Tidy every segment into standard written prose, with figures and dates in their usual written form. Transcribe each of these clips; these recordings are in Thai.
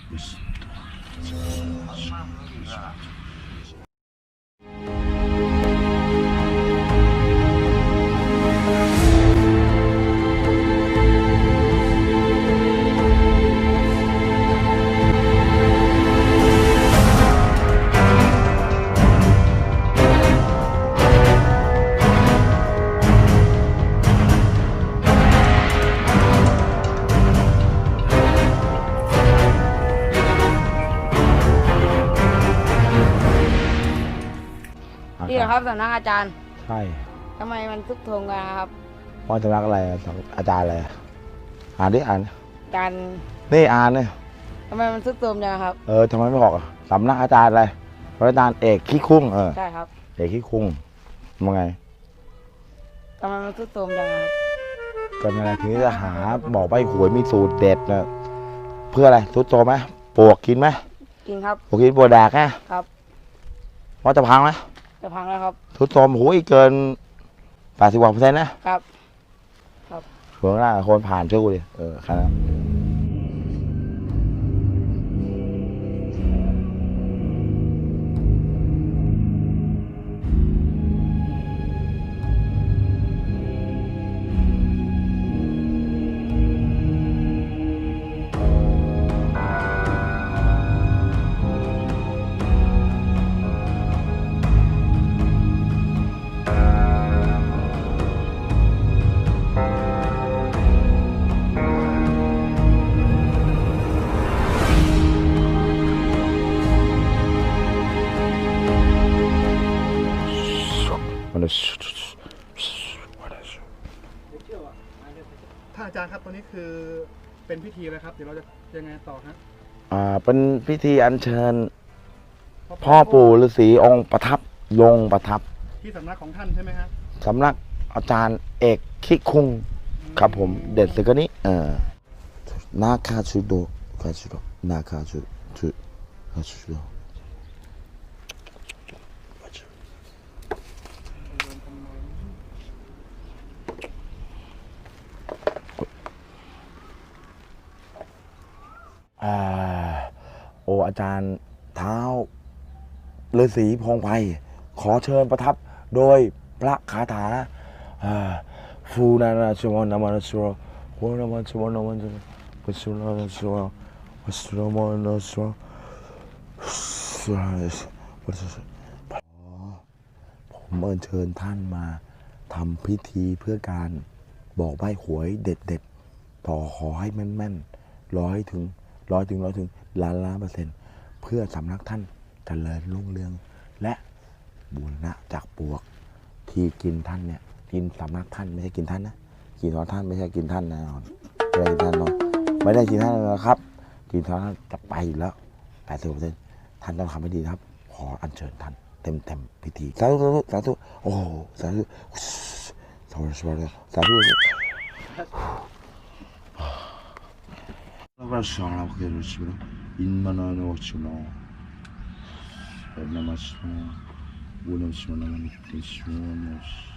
นี่นะครับสำนักอาจารย์ใช่ทำไมมันทุกทงกันครับว่าสำนักอะไรอาจารย์อะไรอ่านดิอ่านอาจารย์นี่อ่านเนี่ยทำไมมันทุกโทมจังครับทำไมไม่บอกสำนักอาจารย์อะไรอาจารย์เอกขี้คุ้งใช่ครับเอกขี้คุ้งมันไงทำไมมันทุกโทมจังครับก็นั่นแหละถึงจะหาบอกใบหวยมีสูตรเด็ดนะเพื่ออะไรทุกโตไหมปวกกินไหมกินครับปวกกินปวกแดกนะครับว่าจะพังไหมจะพังแล้วครับทุกโตมหูอีกเกิน80%นะครับเผื่อหน้าคนผ่านช่วยกูดิครับท่านอาจารย์ครับตอนนี้คือเป็นพิธีอะไรครับเดี๋ยวเราจะยังไงต่อครับเป็นพิธีอัญเชิญพ่อปู่ฤาษีองค์ประทับลงประทับที่สำนักของท่านใช่ไหมครับสำนักอาจารย์เอกขี้คุ้งครับผมเด็ดเลยก็นี้นาคาชุโดนาคาชุโดอาจารย์เท้าฤาษีพงไพขอเชิญประทับโดยพระคาถาฟูนานาชวนามานาชวโหนามาชวนามาชวปัสสุนาชวปัสสุนามานาชวผมเชิญท่านมาทำพิธีเพื่อการบอกใบ้หวยเด็ดต่อขอให้แม่นร้อยถึงล้าน%เพื่อสำนักท่านเจริญรุ่งเรืองและบูรณะจากปวกที่กินท่านเนี่ยกินสำนักท่านไม่ใช่กินท่านนะกินของท่านไม่ใช่กินท่านแน่นอนไม่ได้กินท่านไม่ได้กินท่านนะครับกินของท่านจะไปแล้ว80%ท่านต้องทำให้ดีครับขออัญเชิญท่านเต็มพิธีสาธุโอ้สาธุLasciala che lo si in mano no per la massima buona sono la missione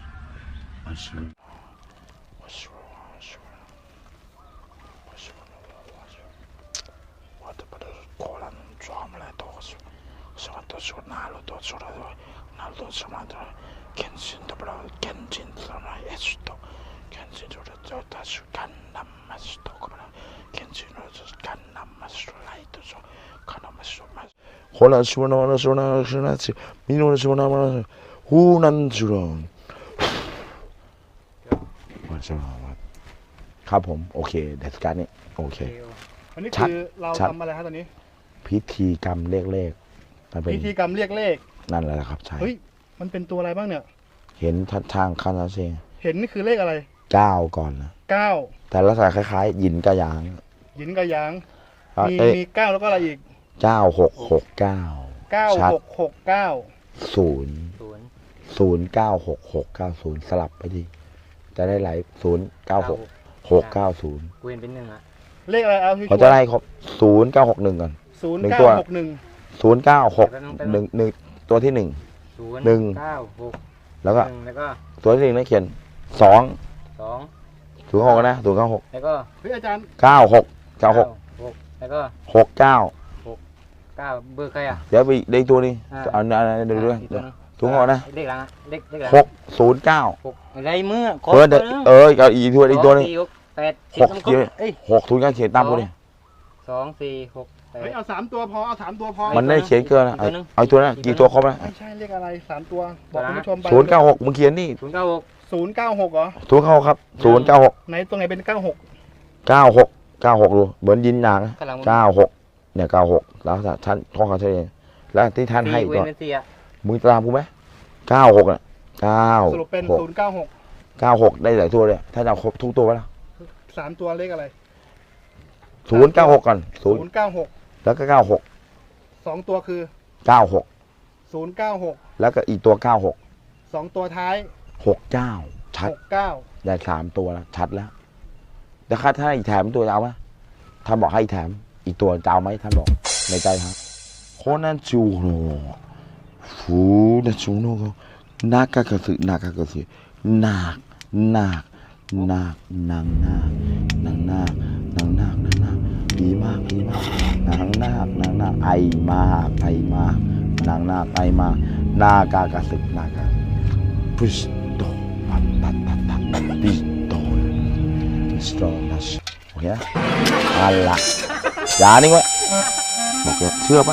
Guarda per cola non ciamo le dosi sono tornato naldo sono kensin dobro kensin sono esto kensin 저 다시 간남 맛도 그러나 괜찮아서 간남 맛을 라이트서 간남 맛을 맛 홀라 수나 민호는 수나 후난 주런 맞아ครับผมโอเคเดสการนี้โอเคอันนี้คือเราทำอะไรครับตอนนี้พิธีกรรมเรียกเลขพิธีกรรมเรียกเลขนั่นแหละครับใช่เฮ้ยมันเป็นตัวอะไรบ้างเนี่ยเห็นทางคานาเซเห็นนี่คือเลขอะไร 9ก่อนนะ 9 แต่ลักษณะคล้ายๆหยินกระยางมี9แล้วก็อะไรอีก 9669 สลับไปดิจะได้หลาย096690 เว้นเป็น1อ่ะเลขอะไรเอาเขาจะได้ครบ0961ก่อน0961ตัวที่1แล้วก็ตัวที่1นั่นเขียน206นะ096 แล้วก็เฮ้ยอาจารย์ 96แล้วก็69 ก้าเบอร์ใครอ่ะเดี๋ยวไปได้อีกตัวนี้อ่าเอาเดี๋ยวด้วยอีกตัวนึงถุงห่อนะเลขหลังอะเลขหลัง 609 หกอะไรมือขอเดี๋ยวเอาอีกตัวอีกตัวนึง 4 6 8 หก 10 เยอะเอ้ย 609เขียนตามกูดิ 2 4 6 เฮ้ย 8 เอา3ตัวพอเอา3ตัวพอมันได้เขียนเกินนะอีกตัวนึงเอาตัวนั้นกี่ตัวครบแล้วไม่ใช่เลขอะไร3ตัวบอกคุณผู้ชมไป 096มึงเขียนนี่ 0 9 6 096เหรอถูกเข้าครับ096 ไหนตรงไหนเป็น96 96ดูเหมือนยินหนังข้างหลังมัน 96เนี่ย96แล้วท่านข้อเขาเฉลยแล้วที่ท่านให้ 4 ตัวเว้นเป็น4อ่ะมึงตามกูไหม96อ่ะสรุปเป็น 96 96ได้หลายตัวเลยถ้าจะเอาครบทุกตัวแล้ว 096 3ตัวเลขอะไร 096ก่อน0 096 แล้วก็96 2ตัวคือ 96 096 แล้วก็อีกตัว96 2ตัวท้าย 69ชัด 69 ได้3ตัวแล้วชัดแล้วแต่ถ้าอีกแถมตัวจะเอาไหมท่านบอกให้แถมอีกตัวจะเอาไหมท่านบอกในใจครับโคนันจูโนฟูนันจูโนก็นากากะสึนากากะสึนาคนากนากนางนาคนางนาคนางนาคนางนาดีมากดีมากนางนาคนางนาไอมากไอมากนางนาไอมากนากากะสึนากาพุชโตปัตตัตตัตตัตปิโตสโตนัสโอเคอะไรอย่านิ่งไว้บอกเลยเชื่อป่ะ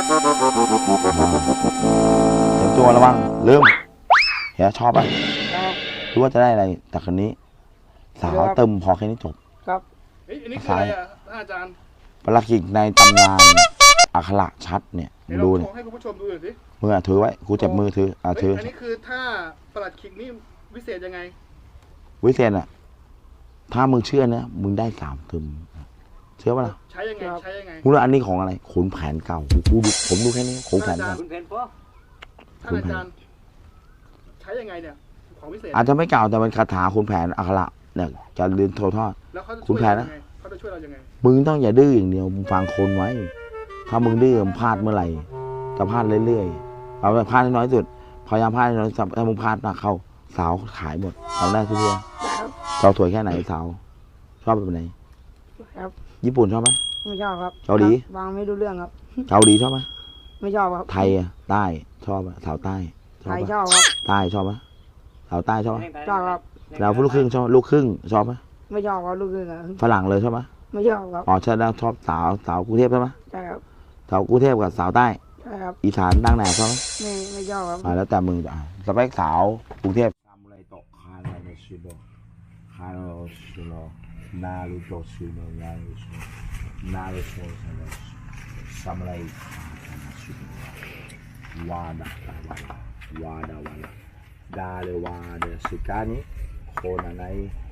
เตรียมตัวระวังลืมเฮียชอบป่ะครับรู้ว่าจะได้อะไรจากคนนี้ สาวเติมพอแค่นี้จบครับเฮ้ยอันนี้คืออะไรอ่ะอาจารย์ปลักขิกในตำนานอักขระชัดเนี่ยเดี๋ยวดูเราเนี่ยโชว์ให้คุณผู้ชมดูหน่อยสิมือถือไว้กูเจ็บมือถือเฮ้ยถืออันนี้คือถ้าประหลัดขิกนี่วิเศษยังไงวิเศษอ่ะถ้ามึงเชื่อนะมึงได้3 ตึมเชื่อป่ะล่ะใช้ยังไงใช้ยังไงมึงรู้อันนี้ของอะไรขุนแผนเก่ากูดูผมดูแค่นี้ขุนแผนเก่าคุณเพนพ่อท่านอาจารย์ใช้ยังไงเนี่ยของวิเศษอาจจะไม่เก่าแต่เป็นคาถาขุนแผนอักขระเนี่ยจะเรียนโทอทอดแล้วเขาจะคุช่วณยแผเรานยันะงไงเขาจะช่วยเรายังไงมึงต้องอย่าดื้ออย่างเดียวมึงฟังคนไว้ ถ้ามึงดื้อมึงพลาดเมื่อไหร่จะพลาดเรื่อยๆเอาไปพลาดให้น้อยสุดพยายามพลาดให้น้อยสุดถ้ามึงพลาดหนักเข้าสาวขายหมดเอาได้ทุกตัวสาวสวยแค่ไหนสาวชอบแบบไหนครับญี่ปุ่นชอบไหมไม่ชอบครับเกาหลีฟังไม่รู้เรื่องครับเกาหลีชอบไหมไม่ชอบครับไทยอะใต้ชอบอะสาวใต้ชไทอบยปะชอบครับใต้ชอบไหมสาวใต้ชอบไหมชอบครับเราลูกครึ่งชอบลูกครึ่งชอบไหมไม่ชอบครับลูกครึ่งครับฝรั่งเลยชอบไหมไม่ชอบครับอ๋อใช่แล้วชอบสาวกรุงเทพใช่ไหมใช่ครับสาวกรุงเทพกับสาวใต้ใช่ครับอีสานดังแหน่ชอบไหมไม่ชอบครับแล้วแต่มึงสเปคสาวกรุงเทพซามูไรโตะคาราโนชิโดคาราโนชิโดนารูโตะชิโดนารูโตะนารูโตะซามูไรคาราชิโดวาดาวาดดาเลวาเดสุกานิโคนาไน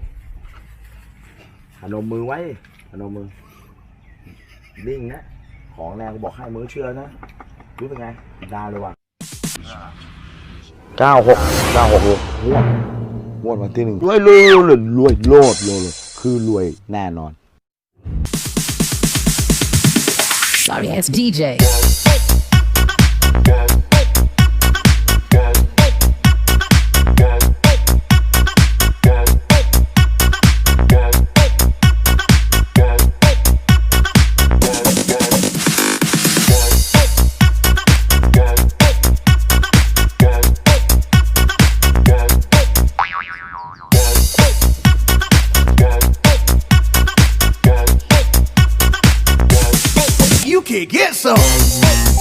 พนมมือไว้พนมมือนิ่งนะของแรงกูบอกให้มือเชื่อนะรู้เป็นไงดาเลวา96เลยงวดวันที่1รวยโลดคือรวยแน่นอน Sorry ass DJ. You can get some.